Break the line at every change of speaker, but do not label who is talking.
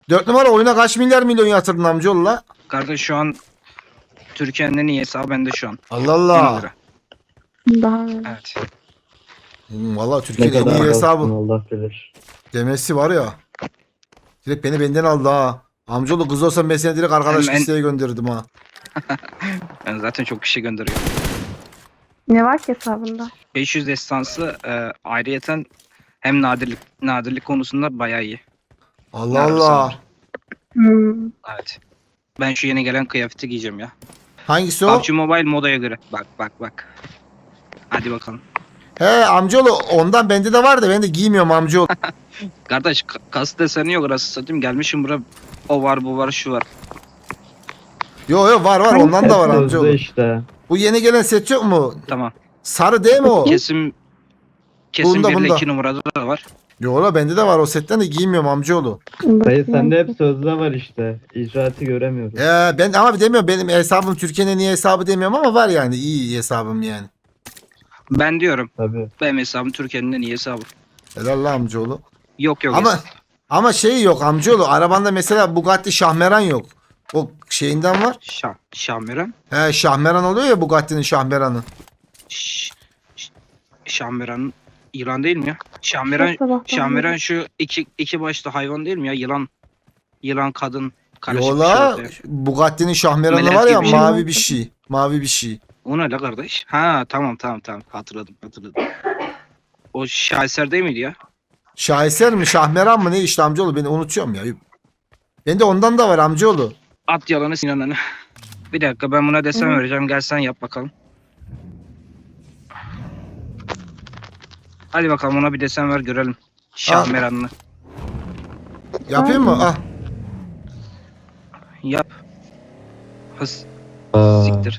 4 numara oyuna kaç milyon yatırdın amcaoğlu la?
Kardeş şu an Türkiye'nin en iyi hesabı bende şu an.
Allah
Ona
Allah.
göre.
Daha
Evet.
Valla
Ne
Türkiye'de en
kadar
iyi
alsın
hesabı.
Allah bilir.
Demesi var ya. Direkt beni benden aldı ha. Amcaoğlu kız olsam ben seni direkt arkadaş
Hemen-
listeye gönderirdim ha.
Ben zaten çok kişi gönderiyorum.
ne var ki hesabında?
500 destansı ayrıyeten hem nadirlik konusunda bayağı iyi.
Allah
Nerede
Allah.
var?
Hmm.
Evet. Ben şu yeni gelen kıyafeti giyeceğim ya.
Hangisi o?
PUBG Mobile modaya göre. Bak. Hadi bakalım.
He amcaoğlu ondan bende de var da ben de giymiyorum amcaoğlu.
Kardeş kas deseni yok arası satayım. Gelmişim buraya. O var bu var şu var.
Yo var ondan da var
Hep sözde
amcaoğlu.
işte.
Bu yeni gelen set yok mu?
Tamam.
Sarı değil mi o?
Kesim
Bunda,
1 ile
bunda.
2 numarada da var.
Yo la bende de var o setten de giymiyorum amcaoğlu.
Dayı sende hep sözde var işte. İcraatı göremiyoruz.
Ben ama demiyorum benim hesabım Türkiye'nin en iyi hesabı demiyorum ama var yani iyi hesabım yani.
Ben diyorum.
Tabii.
Benim hesabım Türkiye'nin en iyi hesabı.
Helal la amcaoğlu.
Yok
Ama şey yok amcaoğlu arabanda mesela Bugatti Şahmeran yok. O şeyinden var.
Şahmeran.
He Şahmeran oluyor ya Bugatti'nin Şahmeran'ı.
Şahmeran yılan değil mi ya?
Sabahtan
Şahmeran şu iki başlı hayvan değil mi ya? Yılan kadın karışık bir
Yola
şey ortaya.
Bugatti'nin Şahmeran'ı
Melek
var ya
gibi bir şey.
mavi bir şey. Mavi bir şey.
O ne la kardeş? Ha tamam. Hatırladım. O şaheser değil miydi ya?
Şaheser mi Şahmeran mı ne işte amcaoğlu beni unutuyorum ya. Bende ondan da var amcaoğlu.
At yalanı Sinan'ını. Bir dakika ben buna desen vereceğim. Gel sen yap bakalım. Hadi bakalım ona bir desen ver görelim. Şahmeran'ını.
Yapayım mı? Ah.
Yap. Hız.
Aa.
Siktir.